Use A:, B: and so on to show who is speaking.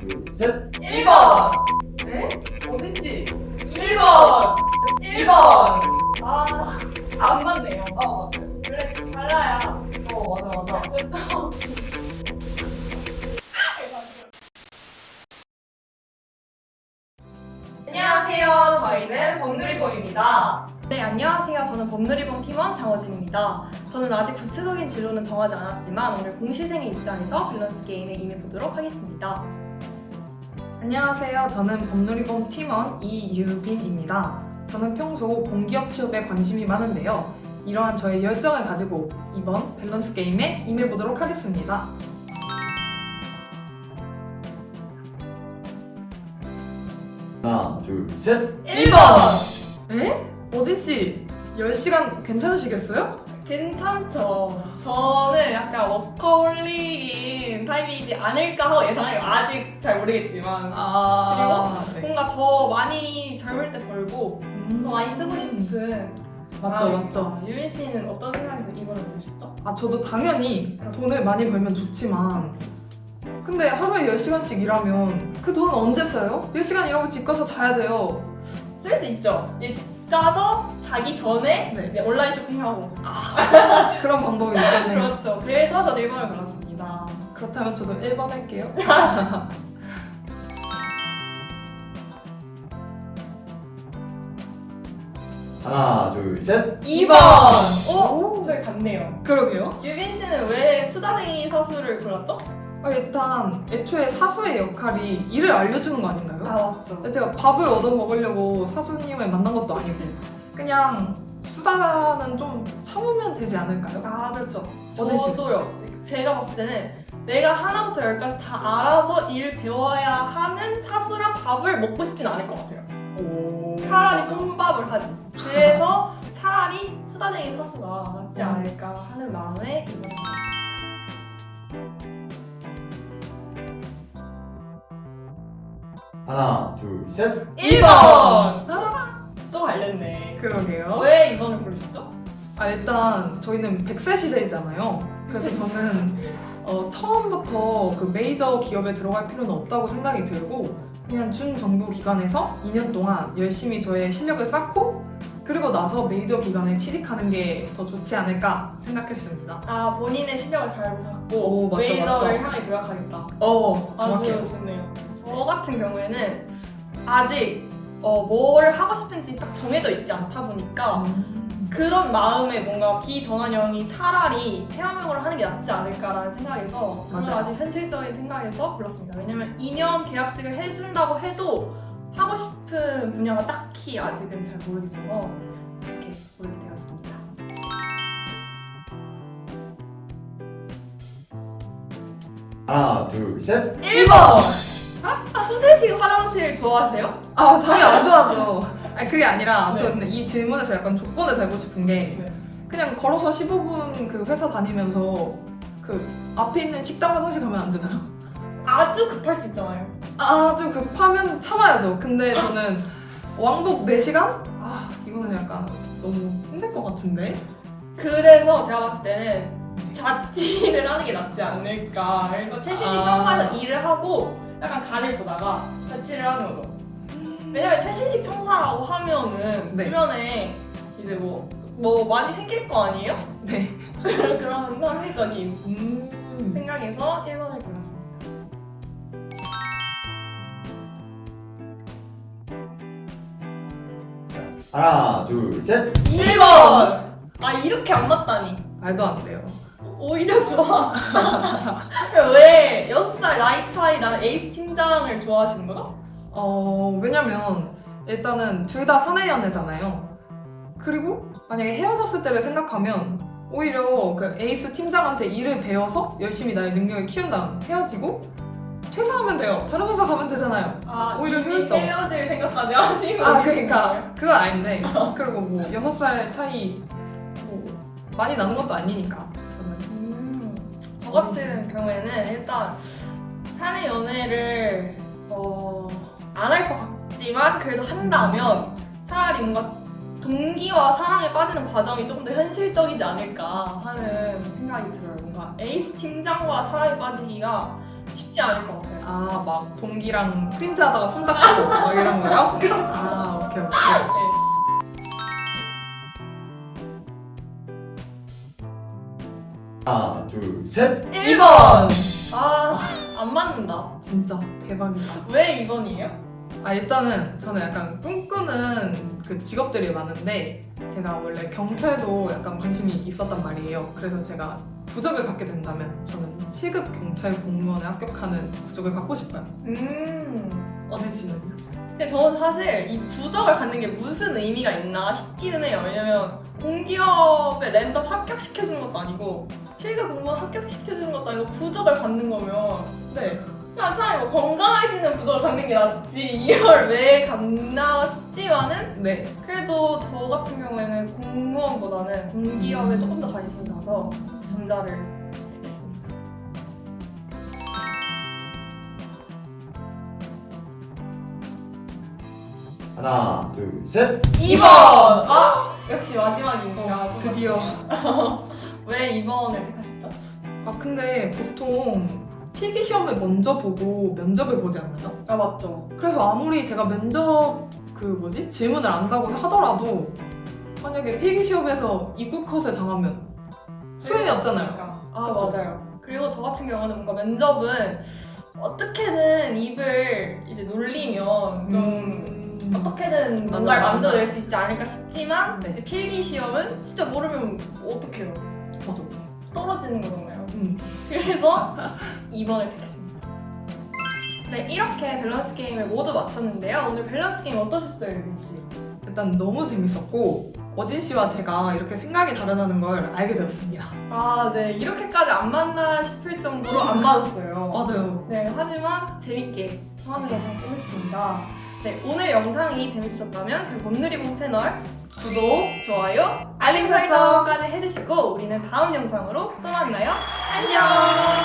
A: 둘, 셋.
B: 1번! 네? 어진씨 2번! 1번! 안 맞네요. 맞아요. 원래 달라야. 맞아. 그렇죠? 안녕하세요. 저희는 범누리범입니다.
C: 네, 안녕하세요. 저는 범누리범 팀원 장어진입니다. 저는 아직 구체적인 진로는 정하지 않았지만 오늘 공시생의 입장에서 밸런스 게임에 임해보도록 하겠습니다.
D: 안녕하세요. 저는 범누리범 팀원 이유빈입니다. 저는 평소 공기업 취업에 관심이 많은데요. 이러한 저의 열정을 가지고 이번 밸런스 게임에 임해보도록 하겠습니다.
A: 하나, 둘, 셋.
B: 1번!
D: 에? 어진씨, 10시간 괜찮으시겠어요?
B: 괜찮죠. 저는 약간 워커홀릭인 타입이지 않을까 하고 예상해요. 아직 잘 모르겠지만.
D: 네.
B: 뭔가 더 많이 젊을 때 벌고 더 많이 쓰고 싶은.
D: 맞죠.
B: 유민 씨는 어떤 생각에서 이거를 고르셨죠?
D: 저도 당연히 돈을 많이 벌면 좋지만 근데 하루에 10시간씩 일하면 그 돈은 언제 써요? 10시간 일하고 집 가서 자야 돼요.
B: 쓸 수 있죠. 이제 집 가서 자기 전에
D: 네.
B: 이제 온라인 쇼핑하고.
D: 그런 방법이 있겠네요.
B: 그렇죠. 그래서 저도 1번을 골랐습니다.
D: 그렇다면 저도 1번 할게요.
A: 하나, 둘, 셋.
B: 2번!
D: 오.
B: 저희 같네요.
D: 그러게요.
B: 유빈 씨는 왜 수다쟁이 사수를 골랐죠?
D: 일단 애초에 사수의 역할이 일을 알려주는 거 아닌가요?
B: 맞죠.
D: 제가 밥을 얻어 먹으려고 사수님을 만난 것도 아니고 그냥 수다는 좀 참으면 되지 않을까요?
B: 그렇죠.
D: 어진 씨는?
B: 저도요. 제가 봤을 때는 내가 하나부터 열까지 다 알아서 일 배워야 하는 사수랑 밥을 먹고 싶진 않을 것 같아요. 차라리 혼밥을 하지. 그래서 차라리 수다쟁이 사수가 낫지 않을까 하는 마음에 이번에
A: 하나, 둘, 셋.
B: 1번! 또 갈렸네.
D: 그러게요.
B: 왜 2번을 고르셨죠?
D: 일단 저희는 100세 시대이잖아요. 그래서 저는 처음부터 그 메이저 기업에 들어갈 필요는 없다고 생각이 들고 그냥 준정부 기관에서 2년 동안 열심히 저의 실력을 쌓고 그리고 나서 메이저 기관에 취직하는 게 더 좋지 않을까 생각했습니다.
B: 본인의 실력을 잘 보셨고
D: 오, 맞죠,
B: 메이저를
D: 맞죠.
B: 향해 노력하겠다.
D: 정확해요.
B: 아주 좋네요. 저 같은 경우에는 아직 뭘 하고 싶은지 딱 정해져 있지 않다 보니까 그런 마음에 뭔가 비전환형이 차라리 체험형으로 하는 게 낫지 않을까라는 생각에서
D: 맞아요.
B: 아주 현실적인 생각에서 골랐습니다. 왜냐면 2년 계약직을 해준다고 해도 하고 싶은 분야가 딱히 아직은 잘 모르겠어서 이렇게 고르게 되었습니다.
A: 하나, 둘, 셋.
B: 1번! 수세식 화장실 좋아하세요?
D: 당연히 안 좋아하죠. 그게 아니라
B: 네.
D: 저는 이 질문에서 약간 조건을 달고 싶은 게 그냥 걸어서 15분 그 회사 다니면서 그 앞에 있는 식당 화장실 가면 안 되나요?
B: 아주 급할 수 있잖아요.
D: 아주 급하면 참아야죠. 근데 저는 왕복 4시간? 이거는 약간 너무 힘들 것 같은데?
B: 그래서 제가 봤을 때는 자취를 하는 게 낫지 않을까. 그래서 최신식 청사에서 일을 하고 약간 간을 보다가 자취를 하는 거죠. 왜냐면 최신식 청사라고 하면은
D: 네.
B: 주변에 이제 뭐 많이 생길 거 아니에요?
D: 네.
B: 그런 합리적인 생각에서 1번을 골랐습니다.
A: 하나, 둘, 셋.
B: 1번! 이렇게 안 맞다니.
D: 말도 안 돼요.
B: 오히려 좋아. 왜 6살 나이 차이 나는 에이스 팀장을 좋아하시는 거죠?
D: 왜냐면 일단은 둘 다 사내 연애잖아요. 그리고 만약에 헤어졌을 때를 생각하면 오히려 그 에이스 팀장한테 일을 배워서 열심히 나의 능력을 키운 다음 헤어지고 퇴사하면 돼요. 다른 회사 가면 되잖아요. 오히려
B: 이미
D: 효율적.
B: 헤어질 생각까지 하시고
D: 그러니까 그건 아닌데 그리고 뭐 6살 차이 뭐 많이 나는 것도 아니니까 저는
B: 저 같은 경우에는 일단 사내 연애를 안 할 것 같지만 그래도 한다면 차라리 뭔가 동기와 사랑에 빠지는 과정이 조금 더 현실적이지 않을까 하는 생각이 들어요. 뭔가 에이스 팀장과 사랑에 빠지기가 쉽지 쉽지 않을 것 같아요.
D: 아, 막 동기랑 프린트하다가 손 닦고 막 이런 거요? 아, 오케이.
A: 하나, 둘, 셋.
B: 1번! 아, 안 맞는다.
D: 진짜 대박이다.
B: 왜 2번이에요?
D: 아, 일단은 저는 약간 꿈꾸는 그 직업들이 많은데 제가 원래 경찰도 약간 관심이 있었단 말이에요. 그래서 제가 부적을 갖게 된다면 저는 7급 경찰 공무원에 합격하는 부적을 갖고 싶어요. 어진 씨는요?
B: 근데 저는 사실 이 부적을 갖는 게 무슨 의미가 있나 싶기는 해요. 왜냐면 공기업에 랜덤 합격시켜주는 것도 아니고 7급 공무원 합격시켜주는 것도 아니고 부적을 갖는 거면 네. 그냥 차라리 뭐 건강해지는 부적을 갖는 게 낫지 이걸 왜 갖나 싶지만은
D: 네.
B: 그래도 저 같은 경우에는 공무원보다는 공기업에 조금 더 관심이 가서 전자를 택했습니다.
A: 하나, 둘, 셋.
B: 2번! 아! 역시 마지막입니다.
D: 드디어.
B: 왜 2번을 택하셨죠?
D: 아, 근데 보통 필기 시험을 먼저 보고 면접을 보지 않나요?
B: 아 맞죠.
D: 그래서 아무리 제가 면접 질문을 안다고 하더라도 만약에 필기 시험에서 이구 컷을 당하면 소용이 없잖아요.
B: 아
D: 그쵸?
B: 맞아요. 그리고 저 같은 경우는 뭔가 면접은 어떻게든 입을 이제 놀리면 좀 어떻게든
D: 맞아,
B: 뭔가를
D: 맞아.
B: 만들어낼 수 있지 않을까 싶지만
D: 네.
B: 필기 시험은 진짜 모르면 어떡해요.
D: 맞아.
B: 떨어지는 거잖아요.
D: 음.
B: 그래서 2번을 택했습니다. 네, 이렇게 밸런스 게임을 모두 마쳤는데요. 오늘 밸런스 게임 어떠셨어요, 유빈 씨?
D: 일단 너무 재밌었고 어진 씨와 제가 이렇게 생각이 다르다는 걸 알게 되었습니다.
B: 아, 네. 이렇게까지 안 맞나 싶을 정도로 안 맞았어요.
D: 맞아요.
B: 네, 하지만 재밌게 하는 영상 끝냈습니다. 네, 오늘 영상이 재밌으셨다면 저희 봄누리봉 채널 구독, 좋아요, 알림 설정까지 해주시고 우리는 다음 영상으로 또 만나요. 안녕!